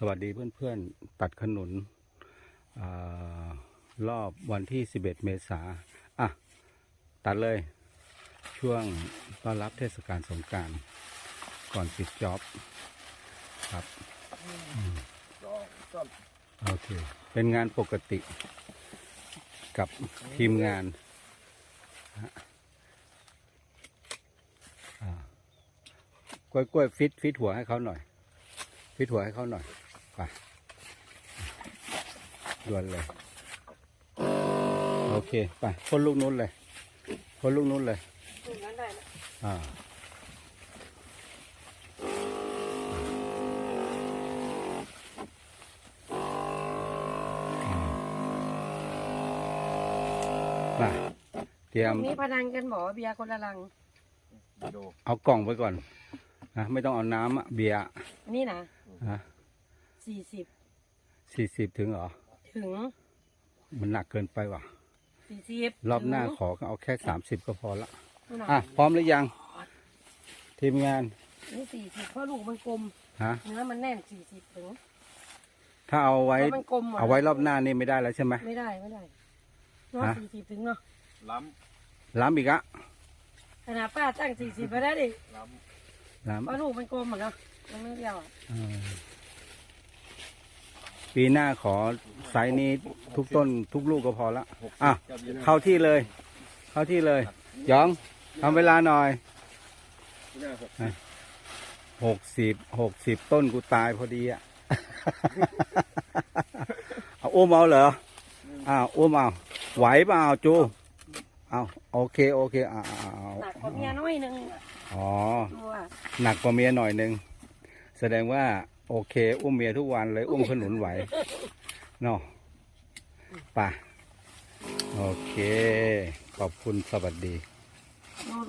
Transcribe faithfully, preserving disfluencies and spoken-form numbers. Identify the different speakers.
Speaker 1: วัสดีเพื่อนๆตัดขนุนอรอบวันที่สิบเอ็ดเมษาอ่ะตัดเลยช่วงต้อนรับเทศกาลสงกรานต์ก่อนปิดจ็อบครับโอเคเป็นงานปกติกับทีมงานกล้วยกล้วยฟิตฟิตหัวให้เขาหน่อยฟิตหัวให้เขาหน่อยไปด่วนเลยโอเคไปพ่นลูกนู้นเลยพ่นลูกนู้นเลยลูกนั้นได้นะอ่าไปเตรียม
Speaker 2: นี้พนันกันหมอเบียร์คนละลัง
Speaker 1: เอากล่องไปก่อนนะไม่ต้องเอาน้ำอะเบียร์
Speaker 2: นี่นะ
Speaker 1: ฮะ
Speaker 2: สี่สิบ
Speaker 1: สี่สิบถึงเหรอ
Speaker 2: ถึง
Speaker 1: มันหนักเกินไปว่ะ
Speaker 2: สี่สิบ
Speaker 1: รอบหน้าขอเอาแค่สามสิบก็พอละอ่ะพร้อมหรือยังทีมงาน
Speaker 2: นี่สี่สิบเพราะลูกมันกลม
Speaker 1: ฮะ
Speaker 2: เนื้อมันแน่นสี่สิบถึง
Speaker 1: ถ้าเอาไว้เอาไว้รอบหน้านี่ไม่ได้แล้วใช่ไหม
Speaker 2: ไม่ได้ไม่ได้รอบสี่สิบถึงเนาะ
Speaker 1: ล้ำล้ำอีกอะ
Speaker 2: ขนาดป้าตั้งสี่สิบไปได้ดิ
Speaker 1: ล้ำล้ำ
Speaker 2: เพราะลูกมันกลมเหมือนเนาะมันไม่เดียวอ่ะ
Speaker 1: ปีหน้าขอไซส์นี้ทุกต้นทุกลูกก็พอละอ่ะเข้าที่เลยเข้าที่เลยยองทำเวลาหน่อยหกสิบหกสิบต้นกูตายพอดีอ่ะเอาอุ้มเอาเหรออ้าวอุ้มเอาไหวเปล่าจูเอาโอเคโอเคอ่า
Speaker 2: หนักกว่าเมียน้อยนึง
Speaker 1: อ๋อหนักกว่าเมียหน่อยนึงแสดงว่าโอเคอุ้มเมียทุกวันเลยอุ้มขนุนไหวเนาะป่ะโอเคขอบคุณสวัสดี